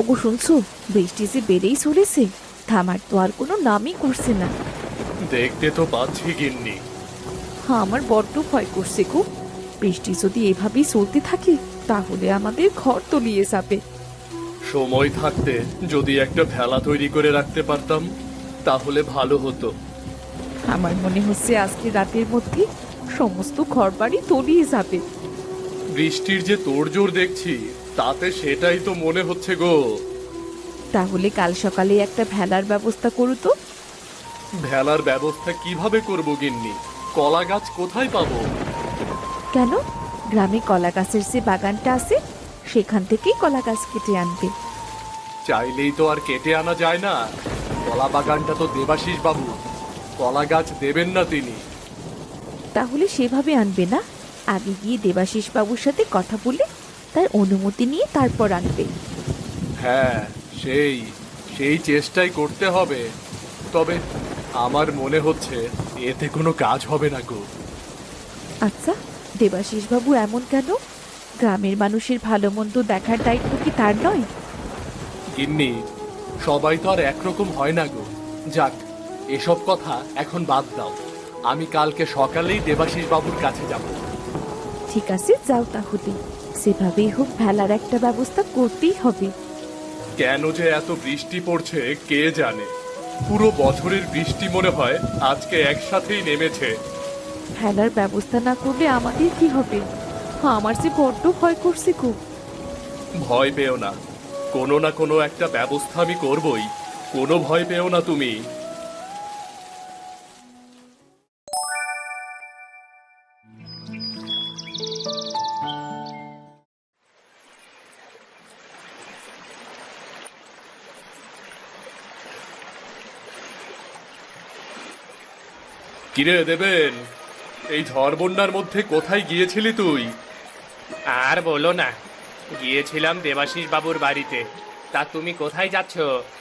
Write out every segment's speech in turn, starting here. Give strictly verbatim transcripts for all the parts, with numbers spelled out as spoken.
ও শুনছো, বৃষ্টি যে বেড়েই চলেছে, থামার তো আর কোনো নামই করছে না। দেখতে তো পাচ্ছি গিন্নি। হ্যাঁ, আমার বড্ড ভয় করছে গো। বৃষ্টি যদি এভাবেই চলতে থাকে তাহলে আমাদের ঘর তলিয়ে যাবে। সময় থাকতে যদি একটা ভেলা তৈরি করে রাখতে পারতাম তাহলে ভালো হতো। আমার মনে হচ্ছে আজকে রাতের মধ্যে সমস্ত ঘর বাড়ি তলিয়ে যাবে। বৃষ্টির যে তোড়জোড় দেখছি তাতে সেটাই তো মনে হচ্ছে গো। তাহলে কাল সকালে একটা ভেলার ব্যবস্থা করো তো। ভেলার ব্যবস্থা কিভাবে করব গিন্নি? কলা গাছ কোথায় পাবো? কেন, গ্রামে কলা গাছের যে বাগানটা আছে সেখান থেকেই কলা গাছ কেটে আনবে। চাইলেই তো আর কেটে আনা যায় না। কলা বাগানটা তো দেবাশিস বাবু, কলা গাছ দেবেন না তিনি। তাহলে সেভাবে আনবে না, আগে গিয়ে দেবাশিস বাবুর সাথে কথা বলে তার অনুমতি নিয়ে তারপর আনবে। হ্যাঁ, সেই সেই চেষ্টাই করতে হবে। তবে আমার মনে হচ্ছে এতে কোনো কাজ হবে না গো। আচ্ছা, দেবাশিস বাবু এমন কেন? গ্রামের মানুষের ভালো মন্দ দেখার দায়িত্ব কি তার নয়? গিন্নি, সবাই তো আর একরকম হয় না গো। যাক, এসব কথা এখন বাদ দাও। আমি কালকে সকালেই দেবাশিস বাবুর কাছে যাব। ঠিক আছে, যাও তাহলে। সেভাবেই হোক ভেলার একটা ব্যবস্থা করতেই হবে। কেন যে এত বৃষ্টি পড়ছে কে জানে। পুরো বছরের বৃষ্টি মনে হয় আজকে একসাথেই নেমেছে। ভেলার ব্যবস্থা না করলে আমাদের কি হবে? আমার যে বড্ড ভয় করছে খুব। ভয় পেও না, কোনো না কোনো একটা ব্যবস্থা আমি করবই। কোনো ভয় পেও না তুমি। কিরে দেবেন, এই ঝড় বন্যার মধ্যে কোথায় গিয়েছিলি তুই? আর বলো না, গিয়েছিলাম দেবাশিস বাবুর বাড়িতে। তা তুমি কোথায় যাচ্ছ?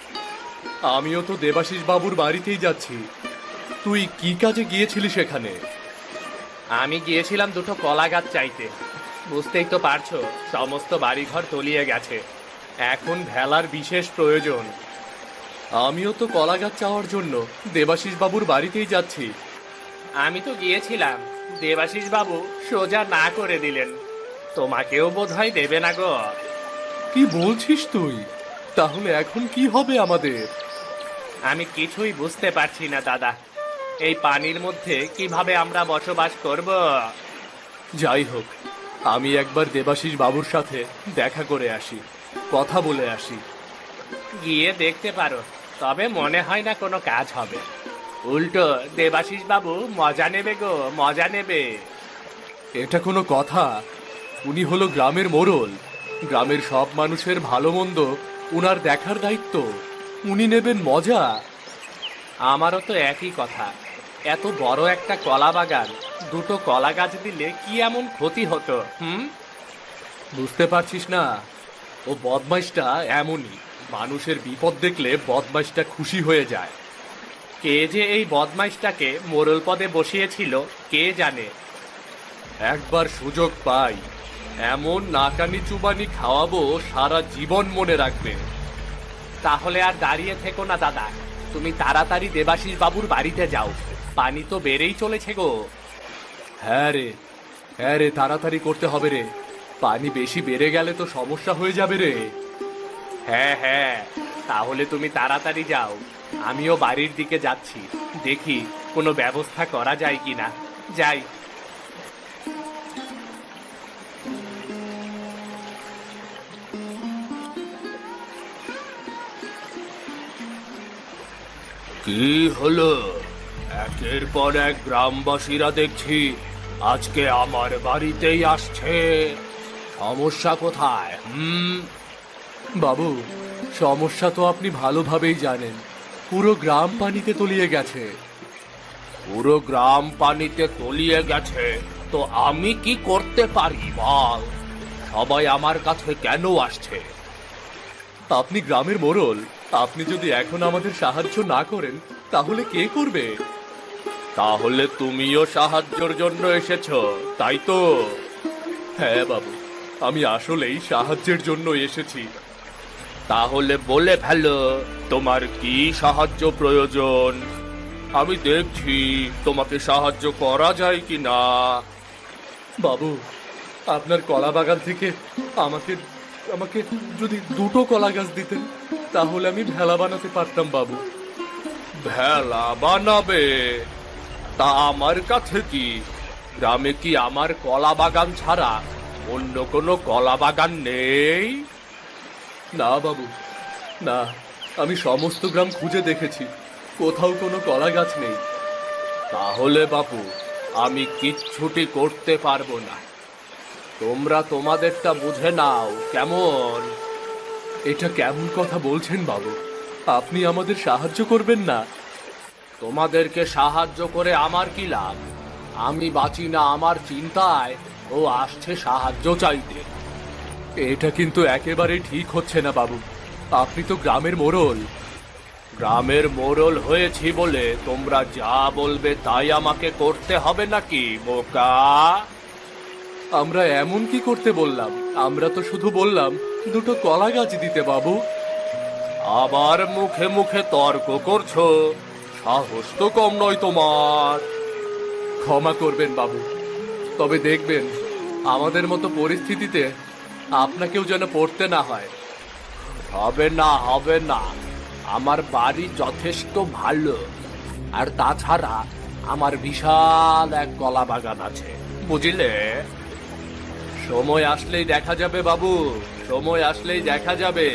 আমিও তো দেবাশিস বাবুর বাড়িতেই যাচ্ছি। তুই কি কাজে গিয়েছিলি সেখানে? আমি গিয়েছিলাম দুটো কলা গাছ চাইতে। বুঝতেই তো পারছো, সমস্ত বাড়িঘর তলিয়ে গেছে। এখন ভেলার বিশেষ প্রয়োজন। আমিও তো কলা গাছ চাওয়ার জন্য দেবাশিস বাবুর বাড়িতেই যাচ্ছি। আমি তো গিয়েছিলাম, দেবাশিস বাবু সোজা না করে দিলেন। তোমাকেও বোধহয় দেবে না গো। কি বলছিস তুই? তাহলে এখন কি হবে আমাদের? আমি কিছুই বুঝতে পারছি না দাদা। এই পানির মধ্যে কিভাবে আমরা বসবাস করব? যাই হোক, আমি একবার দেবাশিস বাবুর সাথে দেখা করে আসি, কথা বলে আসি। গিয়ে দেখতে পারো, তবে মনে হয় না কোনো কাজ হবে। উল্টো দেবাশিস বাবু মজা নেবে গো, মজা নেবে। এটা কোনো কথা? উনি হলো গ্রামের মোড়ল। গ্রামের সব মানুষের ভালো মন্দ উনার দেখার দায়িত্ব। উনি নেবেন মজা। আমারও তো একই কথা। এত বড় একটা কলা বাগান, দুটো কলা গাছ দিলে কি এমন ক্ষতি হতো? হুম বুঝতে পারছিস না? ও বদমাইশটা এমনই। মানুষের বিপদ দেখলে বদমাইশটা খুশি হয়ে যায়। কে যে এই বদমাইশটাকে মোড়ল পদে বসিয়েছিল কে জানে। একবার সুযোগ পাই, এমন নাকানি চুবানি খাওয়াবো সারা জীবন মনে রাখবে। তাহলে আর দাঁড়িয়ে থেকো না দাদা, তুমি তাড়াতাড়ি দেবাশিস বাবুর বাড়িতে যাও। পানি তো বেড়েই চলেছে গো। হ্যাঁ রে, হ্যাঁ রে, তাড়াতাড়ি করতে হবে রে। পানি বেশি বেড়ে গেলে তো সমস্যা হয়ে যাবে রে। হ্যাঁ হ্যাঁ, তাহলে তুমি তাড়াতাড়ি যাও। আমিও বাড়ির দিকে যাচ্ছি, দেখি কোনো ব্যবস্থা করা যায় কিনা। যাই। কি হলো? একের পর এক গ্রামবাসীরা দেখছি আজকে আমার বাড়িতেই আসছে। সমস্যা কোথায়? হুম বাবু, সমস্যা তো আপনি ভালোভাবেই জানেন। পুরো গ্রাম পানিতে তলিয়ে গেছে। পুরো গ্রাম পানিতে তলিয়ে গেছে, তো আমি কি করতে পারি বল? সবাই আমার কাছে কেন আসছে? আপনি গ্রামের মোড়ল, আপনি যদি এখন আমাদের সাহায্য না করেন তাহলে কে করবে? তাহলে তুমিও সাহায্যের জন্য এসেছো, তাই তো? হ্যাঁ বাবু, আমি আসলেই সাহায্যের জন্য এসেছি। তাহলে বলে ফেলো তোমার কি সাহায্য প্রয়োজন। আমি দেখছি তোমাকে সাহায্য করা যায় কি না। বাবু, আপনার কলা বাগান থেকে আমাকে আমাকে যদি দুটো কলা গাছ দিতেন তাহলে আমি ভেলা বানাতে পারতাম বাবু। ভেলা বানাবে? তা আমার কাছে কি, গ্রামে কি আমার কলা বাগান ছাড়া অন্য কোনো কলা বাগান নেই? না বাবু, না, আমি সমস্ত গ্রাম খুঁজে দেখেছি, কোথাও কোনো কলা গাছ নেই। তাহলে বাপু আমি কিচ্ছুটি করতে পারবো না। তোমরা তোমাদেরটা বুঝে নাও কেমন। এটা কেমন কথা বলছেন বাবু? আপনি আমাদের সাহায্য করবেন না? তোমাদেরকে সাহায্য করে আমার কি লাভ? আমি বাঁচি না আমার চিন্তায়, ও আসছে সাহায্য চাইতে। এটা কিন্তু একেবারে ঠিক হচ্ছে না বাবু, আপনি তো গ্রামের মোড়ল। গ্রামের মোড়ল হয়েছি বলে তোমরা যা বলবে তাই আমাকে করতে হবে নাকি বোকা? আমরা এমন কি করতে বললাম? আমরা তো শুধু বললাম দুটো কলা গাছ দিতে বাবু। আবার মুখে মুখে তর্ক করছো, সাহস তো কম নয় তোমার। ক্ষমা করবেন বাবু, তবে দেখবেন আমাদের মতো পরিস্থিতিতে আপনাকেও যেন পড়তে না হয়। হবে না, হবে না, আমার বাড়ি যথেষ্ট ভালো। আর তাছাড়া আমার বিশাল এক কলা বাগান আছে, বুঝলে? সময় আসলেই দেখা যাবে বাবু, সময় আসলেই দেখা যাবে।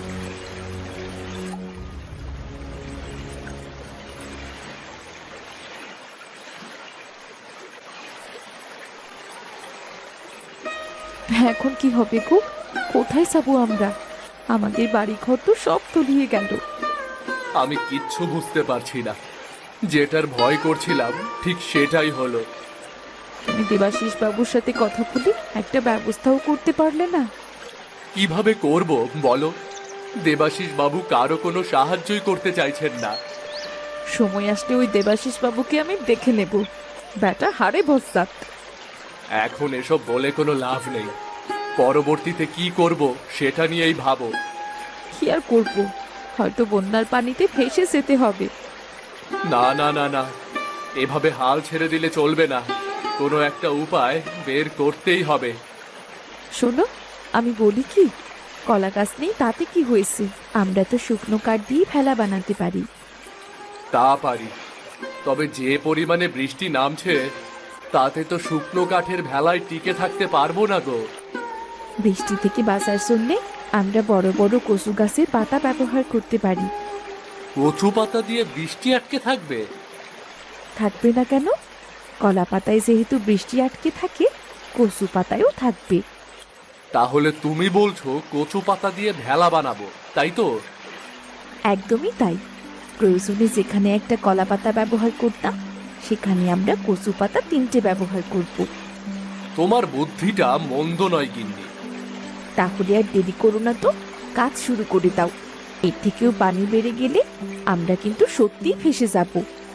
এখন কি হবে গো? কোথায় যাবো আমরা? আমাদের বাড়ি ঘর তো সব তলিয়ে গেল। আমি কিচ্ছু বুঝতে পারছি না, যেটার ভয় করছিলাম ঠিক সেটাই হলো। তুমি দেবাশিস বাবুর সাথে কথা বলে একটা ব্যবস্থাও করতে পারলে না? কিভাবে করব বলো? দেবাশিস বাবু কারো কোনো সাহায্যই করতে চাইছেন না। সময় আসলে ওই দেবাশিস বাবুকে আমি দেখে নেব, ব্যাটা হারে ভস্তাত। এখন এসব বলে কোনো লাভ নেই, পরবর্তীতে কি করব সেটা নিয়েই ভাবো। কি আর করবো, হয়তো বন্যার পানিতে ভেসে যেতে হবে। না না না না, এভাবে হাল ছেড়ে দিলে চলবে না, কোনো একটা উপায় বের করতেই হবে। শোনো, আমি বলি কি, কলা গাছ নেই তাতে কি হয়েছে, আমরা তো শুকনো কাঠ দিয়ে ভেলা বানাতে পারি। তা পারি, তবে যে পরিমাণে বৃষ্টি নামছে তাতে তো শুকনো কাঠের ভেলায় টিকে থাকতে পারবো না গো। বৃষ্টি থেকে বাঁচার জন্যে আমরা বড় বড় কচু গাছের পাতা ব্যবহার করতে পারি। কচু পাতা দিয়ে বৃষ্টি আটকে থাকবে? থাকবে না কেন? কলা পাতায় যেহেতু বৃষ্টি আটকে থাকে, কচু পাতায়ও থাকবে। তাহলে তুমি বলছো কচু পাতা দিয়ে ভেলা বানাবো, তাই তো? একদমই তাই। প্রয়োজনে যেখানে একটা কলা পাতা ব্যবহার করতাম, সেখানে আমরা কচু পাতা তিনটে ব্যবহার করব। তোমার বুদ্ধিটা মন্দ নয় গিন্নি। তাহলে আর দেরি করো না তো, কাজ শুরু করে দাও। এর থেকেও পানি বেড়ে গেলে আমরা কিন্তু সত্যিই ফেসে যাব।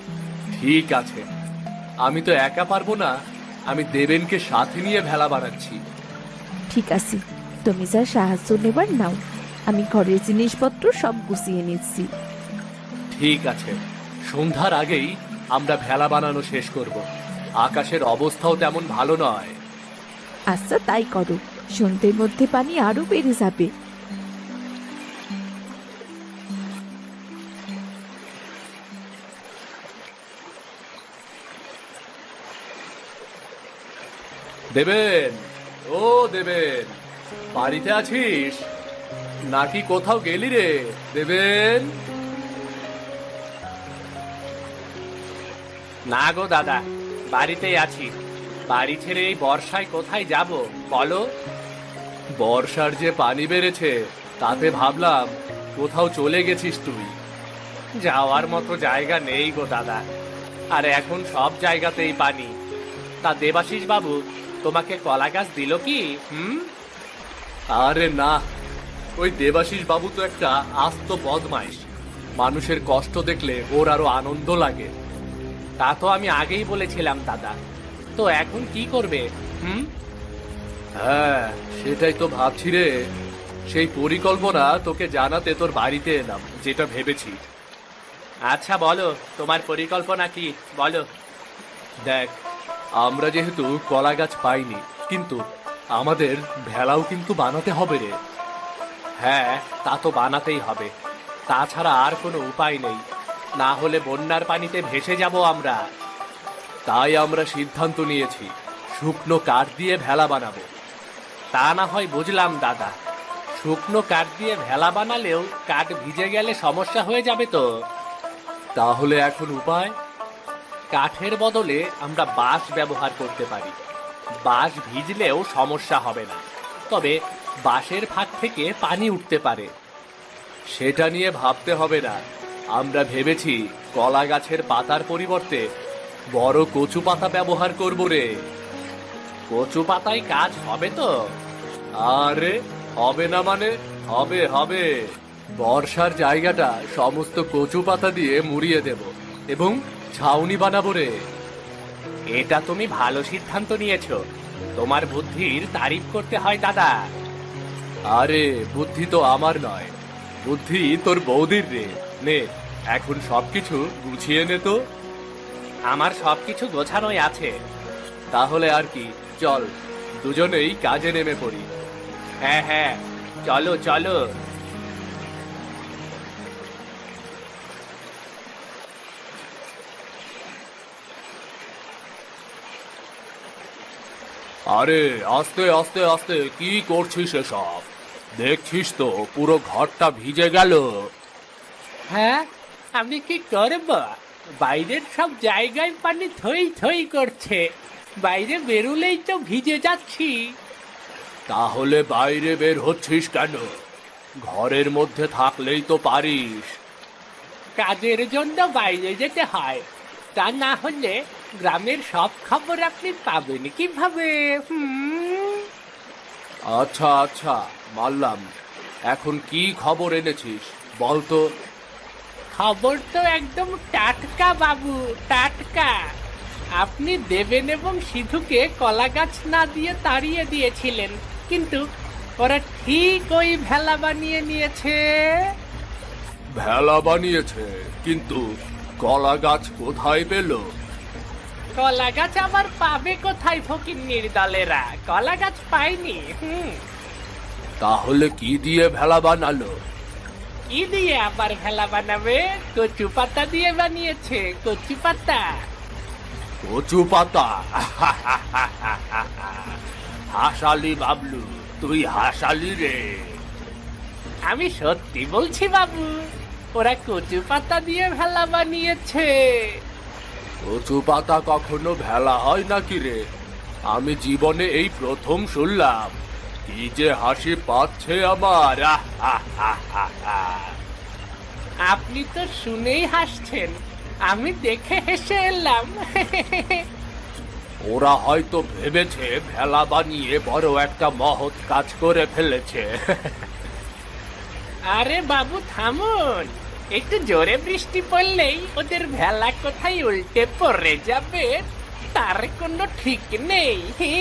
ঠিক আছে, আমি তো একা পারবো না, আমি দেবেনকে সাথে নিয়ে ভেলা বানাচ্ছি। ঠিক আছে, তুমি যা সাহায্য নেবার নাও, আমি ঘরের জিনিসপত্র সব গুছিয়ে নিচ্ছি। ঠিক আছে, সন্ধ্যার আগেই আমরা ভেলা বানানো শেষ করব। আকাশের অবস্থাও তেমন ভালো নয়। আচ্ছা তাই করো, সন্ধ্যের মধ্যে পানি আরো বেড়ে যাবে। দেবেন, ও দেবেন, বাড়িতে আছিস নাকি কোথাও গেলি রে দেবেন? না গো দাদা, বাড়িতেই আছি। বাড়ি ছেড়ে এই বর্ষায় কোথায় যাব বলো? বর্ষার যে পানি বেড়েছে তাতে ভাবলাম কোথাও চলে গেছিস তুই। যাওয়ার মতো জায়গা নেই গো দাদা, আর এখন সব জায়গাতেই পানি। তা দেবাশিস বাবু তোমাকে কলা গাছ দিল কি? হুম? আরে না, ওই দেবাশিস বাবু তো একটা আস্ত বদমাইশ, মানুষের কষ্ট দেখলে ওর আরো আনন্দ লাগে। তা তো আমি আগেই বলেছিলাম দাদা, তো এখন কি করবে? হুম? হ্যাঁ, সেটাই তো ভাবছি রে। সেই পরিকল্পনা তোকে জানাতে তোর বাড়িতে এলাম, যেটা ভেবেছি। আচ্ছা বলো, তোমার পরিকল্পনা কি বলো। দেখ, আমরা যেহেতু কলা গাছ পাইনি, কিন্তু আমাদের ভেলাও কিন্তু বানাতে হবে রে। হ্যাঁ, তা তো বানাতেই হবে, তাছাড়া আর কোনো উপায় নেই, না হলে বন্যার পানিতে ভেসে যাব আমরা। তাই আমরা সিদ্ধান্ত নিয়েছি শুকনো কাঠ দিয়ে ভেলা বানাবো। তা না হয় বুঝলাম দাদা, শুকনো কাঠ দিয়ে ভেলা বানালেও কাঠ ভিজে গেলে সমস্যা হয়ে যাবে তো। তাহলে এখন উপায়? কাঠের বদলে আমরা বাঁশ ব্যবহার করতে পারি। বাঁশ ভিজলেও সমস্যা হবে না, তবে বাঁশের ফাঁক থেকে পানি উঠতে পারে। সেটা নিয়ে ভাবতে হবে না, আমরা ভেবেছি কলা গাছের পাতার পরিবর্তে বড় কচু পাতা ব্যবহার করব রে। কচু পাতায় কাজ হবে তো? আরে হবে না মানে? হবে হবে। বর্ষার জায়গাটা সমস্ত কচু পাতা দিয়ে মুড়িয়ে দেব এবং ছাউনি বানাবো রে। এটা তুমি ভালো সিদ্ধান্ত নিয়েছো, তোমার বুদ্ধির তারিফ করতে হয় দাদা। আরে বুদ্ধি তো আমার নয়, বুদ্ধি তোর বৌদির রে। নে এখন সবকিছু গুছিয়ে নে তো। আমার সবকিছু গোছানোই আছে। তাহলে আর কি, চল দুজনেই কাজে নেমে পড়ি। হ্যাঁ হ্যাঁ, চলো চলো। আরে আস্তে আস্তে আস্তে, কি করছিস এসব? দেখছিস তো পুরো ঘরটা ভিজে গেল। হ্যাঁ, আমি কি করব? বাইরের সব জায়গায় পানি থই থই করছে, বাইরে বেরুলেই তো ভিজে যাচ্ছি। তাহলে বাইরে বের হচ্ছিস কেন? ঘরের মধ্যে থাকলেই তো পারিস। কাজের জন্য বাইরে যেতে হয়, তা না হলে গ্রামের সব খবর আপনি পাবেন কিভাবে? হুম। আচ্ছা আচ্ছা মানলাম, এখন কি খবর এনেছিস বল তো। খবর তো একদম টাটকা বাবু, টাটকা। আপনি দেবেন এবং সিধুকে কলা গাছ না দিয়ে তাড়িয়ে দিয়েছিলেন, কিন্তু ওরা ঠিক ওই ভেলা বানিয়ে নিয়েছে। ভেলা বানিয়েছে, কিন্তু কলা গাছ কোথায় পেল? কলা গাছ আবার পাবে কোথায় ফকিন্নির দলেরা? কলা গাছ পায়নি। হুম। তাহলে কি দিয়ে ভেলা বানালো? কি দিয়ে আবার ভেলা বানাবে? কচু পাতা দিয়ে বানিয়েছে, কচু পাতা। কচু পাতা? হাসালি বাবলু, তুই হাসালি রে। আমি সত্যি বলছি বাবু, ওরা কচু পাতা দিয়ে ভেলা বানিয়েছে। কচু পাতা কখনো ভেলা হয় নাকি রে? আমি জীবনে এই প্রথম শুনলাম। কি যে হাসি পাচ্ছে আমার। আপনি তো শুনেই হাসছেন, আমি দেখে হেসে এলাম। ওরা হয়তো ভেবেছে ভেলা বানিয়ে বড় একটা মহৎ কাজ করে ফেলেছে। আরে বাবু থামুন, একটু জোরে বৃষ্টি পড়লেই ওদের ভেলা কোথায় উল্টে পড়ে যাবে তার কোনো ঠিক নেই।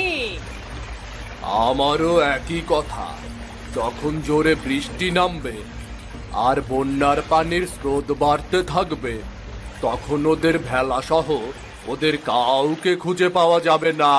আমারও একই কথা। যখন জোরে বৃষ্টি নামবে আর বন্যার পানির স্রোত বাড়তে থাকবে, তখন ওদের ভেলা সহ ওদের কাউকে খুঁজে পাওয়া যাবে না।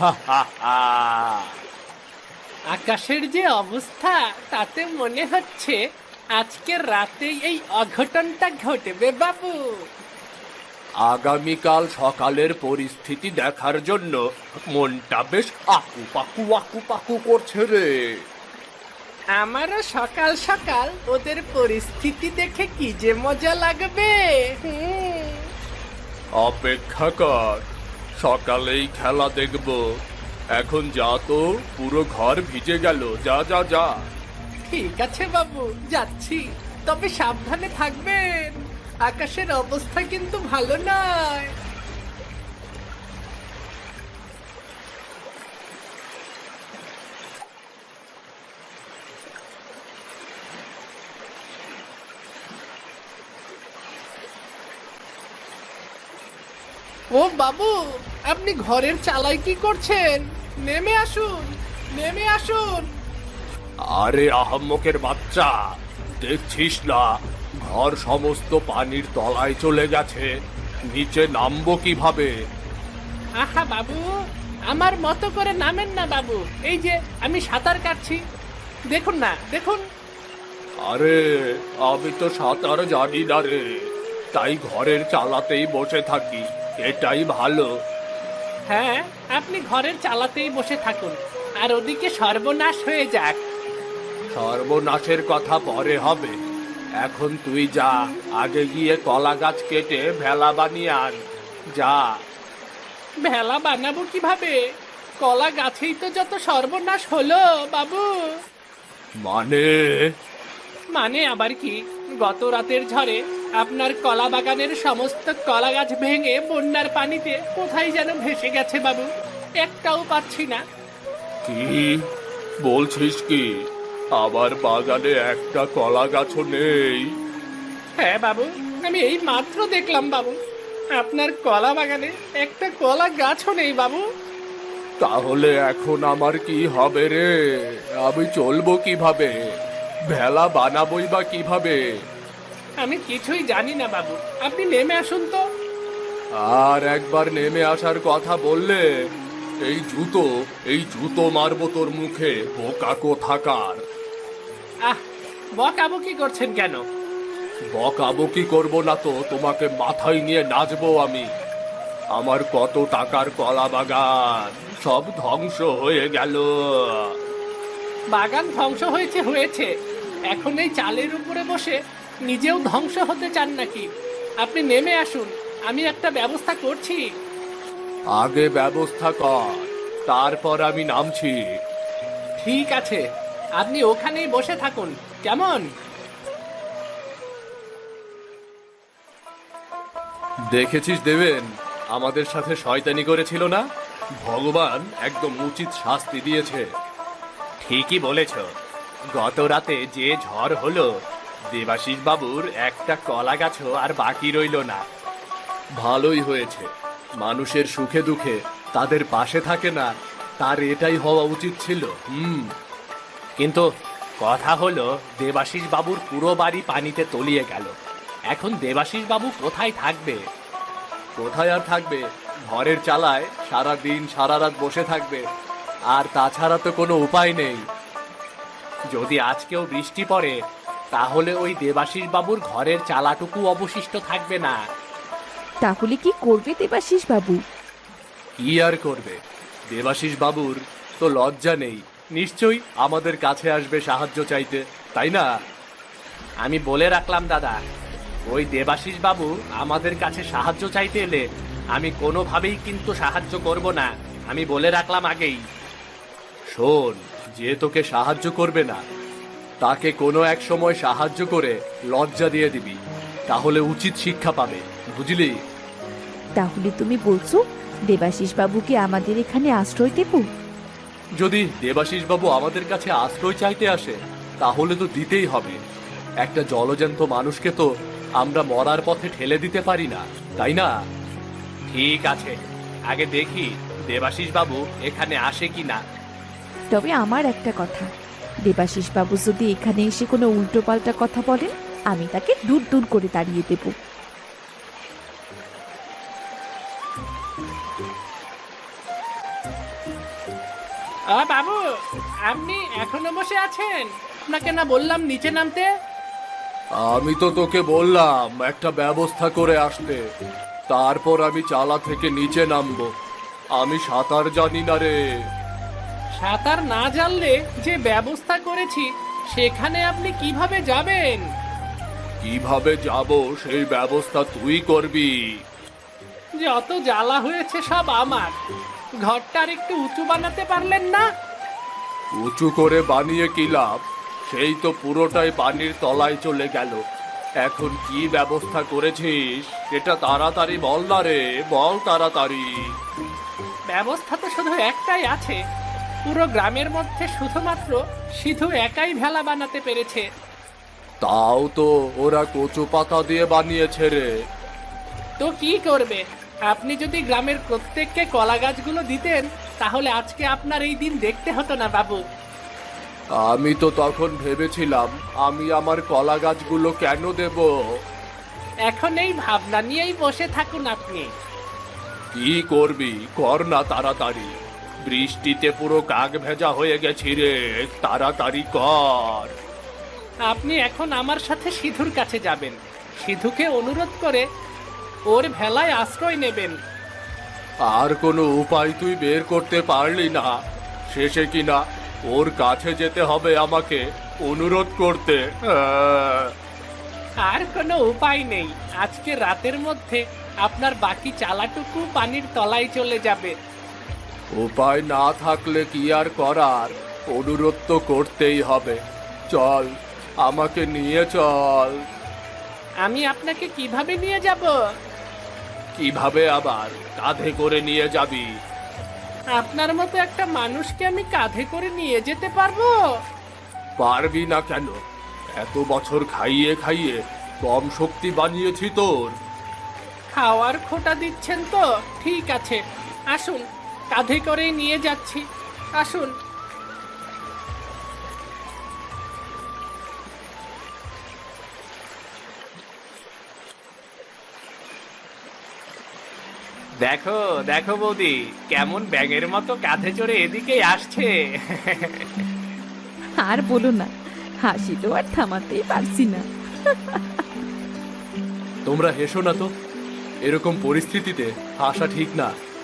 আকাশের যে অবস্থা, তাতে মনে হচ্ছে আজকে রাতেই এই অঘটনটা ঘটবে বাবু। আগামীকাল সকালের পরিস্থিতি দেখার জন্য মনটা বেশ আকু পাকু আকু পাকু করছে রে। আমারও সকাল সকাল ওদের পরিস্থিতি দেখে কি যে মজা লাগবে। হুম। অপেক্ষা কর, সকালেই খেলা দেখব। এখন যা তো, পুরো ঘর ভিজে গেল। যা যা যা। ঠিক আছে বাবু, যাচ্ছি, তবে সাবধানে থাকবেন, আকাশের অবস্থা কিন্তু ভালো নয়। ও বাবু, আপনি ঘরের চালায় কি করছেন? নেমে আসুন, নেমে আসুন। আরে আহাম্মকের বাচ্চা, দেখছিস না ঘর সমস্ত পানির তলায় চলে গেছে, নিচে নামবো কিভাবে? আহা বাবু, আমার মতো করে নামেন না বাবু, এই যে আমি সাঁতার কাটছি, দেখুন না দেখুন। আরে আমি তো সাঁতার জানি না রে, তাই ঘরের চালাতেই বসে থাকি, এটাই ভালো। হ্যাঁ, আপনি ঘরের চালাতেই বসে থাকুন, আর ওদিকে সর্বনাশ হয়ে যাক। সর্বনাশের কথা পরে হবে, এখন তুই যা, আগে গিয়ে কলা গাছ কেটে ভেলা বানিয়ে আন, যা। ভেলা বানাবো কিভাবে? কলা গাছেই তো যত সর্বনাশ হলো বাবু। মানে? মানে আবার কি, গত রাতের ঝড়ে আপনার কলা বাগানের সমস্ত কলা গাছ ভেঙে বন্যার পানিতে কোথায় যেন ভেসে গেছে বাবু, একটাও পাচ্ছি না। কি বলছিস কি? আমার বাগানে একটা কলা গাছও নেই? হ্যাঁ বাবু, আমি এই মাত্র দেখলাম বাবু, আপনার কলা বাগানে একটা কলা গাছও নেই বাবু। তাহলে এখন আমার কি হবে রে? আমি চলবো কিভাবে? ভেলা বানাবই বা কিভাবে? আমি কিছুই জানি না বাবু, আপনি নেমে আসুন তো। আর একবার নেমে আসার কথা বললে এই জুতো এই জুতো মারবো তোর মুখে, বোকা কোথাকার। আহ, বকাবকি করছেন কেন? বকাবকি করবো না তো তোমাকে মাথায় নিয়ে নাচবো আমি। আমার কত টাকার কলা বাগান সব ধ্বংস হয়ে গেল। বাগান ধ্বংস হয়েছে হয়েছে, এখন এই চালের উপরে বসে নিজেও ধ্বংস হতে চান নাকি? আপনি নেমে আসুন, আমি একটা ব্যবস্থা করছি। আগে ব্যবস্থা কর, তারপর আমি নামছি। ঠিক আছে, আপনি ওখানেই বসে থাকুন, কেমন? দেখেছিস দেবেন, আমাদের সাথে শয়তানি করেছিল না? ভগবান একদম উচিত শাস্তি দিয়েছে। ঠিকই বলেছ, গত রাতে যে ঝড় হলো, দেবাশিস বাবুর একটা কলা গাছও আর বাকি রইল না। ভালোই হয়েছে, মানুষের সুখে দুঃখে তাদের পাশে থাকে না, তার এটাই হওয়া উচিত ছিল। হুম, কিন্তু কথা হলো, দেবাশিস বাবুর পুরো বাড়ি পানিতে তলিয়ে গেল। এখন দেবাশিস বাবু কোথায় থাকবে? কোথায় আর থাকবে? ঘরের চালায় সারা দিন সারা রাত বসে থাকবে, আর তাছাড়া তো কোনো উপায় নেই। যদি আজকেও বৃষ্টি পড়ে, তাহলে ওই দেবাশিস বাবুর ঘরের চালাটুকু অবশিষ্ট থাকবে না। তাহলে কি করবে দেবাশিস বাবু? কি আর করবে? দেবাশিস বাবুর তো লজ্জা নেই, নিশ্চয়ই আমাদের কাছে আসবে সাহায্য চাইতে, তাই না? আমি বলে রাখলাম দাদা, ওই দেবাশিস বাবু আমাদের কাছে সাহায্য চাইতে এলে আমি কোনোভাবেই কিন্তু সাহায্য করব না, আমি বলে রাখলাম আগেই। শোন, যে তোকে সাহায্য করবে না তাকে কোনো এক সময় সাহায্য করে লজ্জা দিয়ে দিবি, তাহলে উচিত শিক্ষা পাবে, বুঝলি? তাহলে তুমি বলছো দেবাশিস বাবুকে আমাদের এখানে আশ্রয় দেব? যদি দেবাশিস বাবু আমাদের কাছে আশ্রয় চাইতে আসে তাহলে তো দিতেই হবে। একটা জলজ্যান্ত মানুষকে তো আমরা মরার পথে ঠেলে দিতে পারি না, তাই না? ঠিক আছে, আগে দেখি দেবাশিস বাবু এখানে আসে কি না। তবে আমার একটা কথা, দেবাশিস বাবু যদি এখানে এসে কোনো উল্টোপাল্টা কথা বলেন, আমি তাকে দূর দূর করে তাড়িয়ে দেব। আ বাবু, আপনি এখনো বসে আছেন? আপনাকে না বললাম নিচে নামতে? আমি তো তোকে বললাম একটা ব্যবস্থা করে আসতে, তারপর আমি চালা থেকে নিচে নামবো। আমি সাঁতার জানি না রে। সাঁতার না জানলে যে ব্যবস্থা করেছি সেখানে আপনি কিভাবে যাবেন? কিভাবে যাব সেই ব্যবস্থা তুই করবি। যত জ্বালা হয়েছে সব আমার। ঘরটার একটু উঁচু বানাতে পারলেন না? উঁচু করে বানিয়ে কি লাভ? সেই তো পুরোটাই পানির তলায় চলে গেল। এখন কি ব্যবস্থা করেছিস এটা তাড়াতাড়ি বল না রে, বল তাড়াতাড়ি। ব্যবস্থা তো শুধু একটাই আছে, পুরো গ্রামের মধ্যে শুধুমাত্র সিধু একাই ভেলা বানাতে পেরেছে। তাও তো ওরা কচু পাতা দিয়ে বানিয়েছে রে। তো কি করবে? আপনি যদি গ্রামের প্রত্যেককে কলা গাছগুলো দিতেন তাহলে আজকে আপনার এই দিন দেখতে হতো না বাবু। আমি তো তখন ভেবেছিলাম আমি আমার কলা গাছগুলো কেন দেব। এখন এই ভাবনা নিয়েই বসে থাকুন আপনি। কি করবি কর না তাড়াতাড়ি, বৃষ্টিতে পুরো কাক ভেজা হয়ে গেছি রে, তাড়াতাড়ি কর। আপনি এখন আমার সাথে সিধুর কাছে যাবেন, সিধুকে অনুরোধ করে ওর ভেলায় আশ্রয় নেবেন। আর কোনো উপায় তুই বের করতে পারলি না? শেষে কিনা ওর কাছে যেতে হবে আমাকে অনুরোধ করতে? আহ! আর কোনো উপায় নেই, আজকে রাতের মধ্যে আপনার বাকি চালাটুকু পানির তলায় চলে যাবে। উপায় না থাকলে কি আর করার, অনুরোধ তো করতেই হবে। চল, আমাকে নিয়ে চল। আমি আপনাকে কিভাবে নিয়ে যাব? কিভাবে আবার, কাঁধে করে নিয়ে যাবি? আপনার মতো একটা মানুষকে আমি কাঁধে করে নিয়ে যেতে পারবো? পারবি না কেন? এত বছর খাইয়ে খাইয়ে কম শক্তি বানিয়েছি তোর। খাওয়ার খোটা দিচ্ছেন তো? ঠিক আছে, আসুন, কাঁধে করেই নিয়ে যাচ্ছি, আসুন। দেখো দেখো বৌদি, কেমন ব্যাঙের মতো কাঁধে চড়ে এদিকেই আসছে। আর বলো না, হাসি তো আর থামাতেই পারছি না। তোমরা হেসো না তো, এরকম পরিস্থিতিতে হাসা ঠিক না।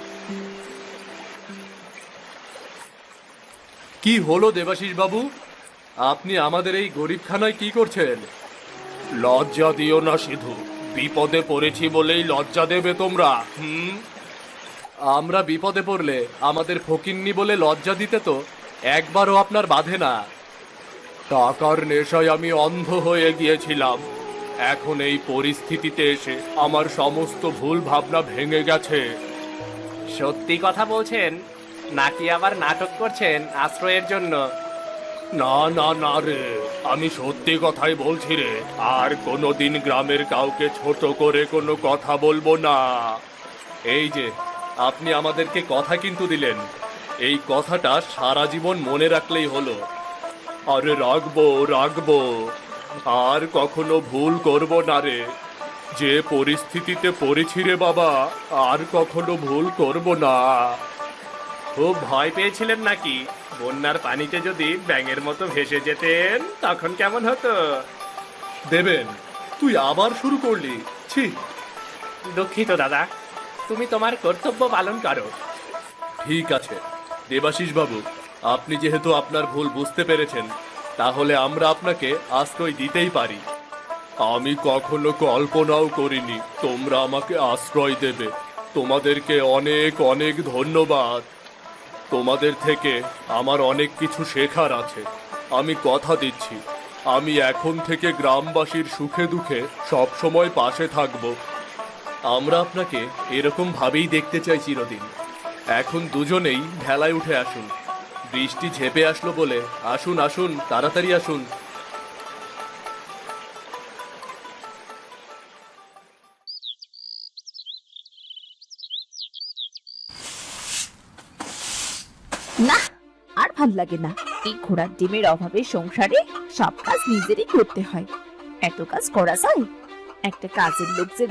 কি হলো দেবাশিস বাবু, আপনি আমাদের এই গরিবখানায় কি করছেন? লজ্জা দিও না সিধু, বিপদে পড়েছি বলেই লজ্জা দেবে তোমরা? হুম, আমরা বিপদে পড়লে আমাদের ফকিন্নি বলে লজ্জা দিতে তো একবারও আপনার বাধে না। টাকার নেশায় আমি অন্ধ হয়ে গিয়েছিলাম, এখন এই পরিস্থিতিতে এসে আমার সমস্ত ভুল ভাবনা ভেঙে গেছে। সত্যি কথা বলছেন নাকি আবার নাটক করছেন আশ্রয়ের জন্য? না না না রে, আমি সত্যি কথাই বলছি রে, আর কোনোদিন গ্রামের কাউকে ছোট করে কোনো কথা বলবো না। এই যে আপনি আমাদেরকে কথা কিন্তু দিলেন, এই কথাটা সারা জীবন মনে রাখলেই হলো। আরে রাখবো রাখবো, আর কখনো ভুল করব না রে। যে পরিস্থিতিতে পড়েছি রে বাবা, আর কখনো ভুল করব না। খুব ভয় পেয়েছিলেন নাকি? বন্যার পানিতে যদি ব্যাঙের মতো ভেসে যেতেন তখন কেমন হতো? দেবেন, তুই আবার শুরু করলি? ছি! দুঃখিত দাদা, তুমি তোমার কর্তব্য পালন করো। ঠিক আছে দেবাশিস বাবু, আপনি যেহেতু আপনার ভুল বুঝতে পেরেছেন, তাহলে আমরা আপনাকে আশ্রয় দিতেই পারি। আমি কখনো কল্পনাও করিনি তোমরা আমাকে আশ্রয় দেবে। তোমাদেরকে অনেক অনেক ধন্যবাদ। তোমাদের থেকে আমার অনেক কিছু শেখার আছে। আমি কথা দিচ্ছি, আমি এখন থেকে গ্রামবাসীর সুখে দুঃখে সব সময় পাশে থাকব। আমরা আপনাকে এরকম ভাবেই দেখতে চাই চিরদিন। এখন দুজনেই ভেলায় উঠে আসুন, বৃষ্টি ঝেপে আসলো বলে। আসুন আসুন, তাড়াতাড়ি আসুন। না, আর ভাল লাগে না। এই ঘোড়ার ডিমের অভাবে সংসারে সব কাজ নিজেরই করতে হয়। এত কাজ করা যায়? একটা কাজের লোক যে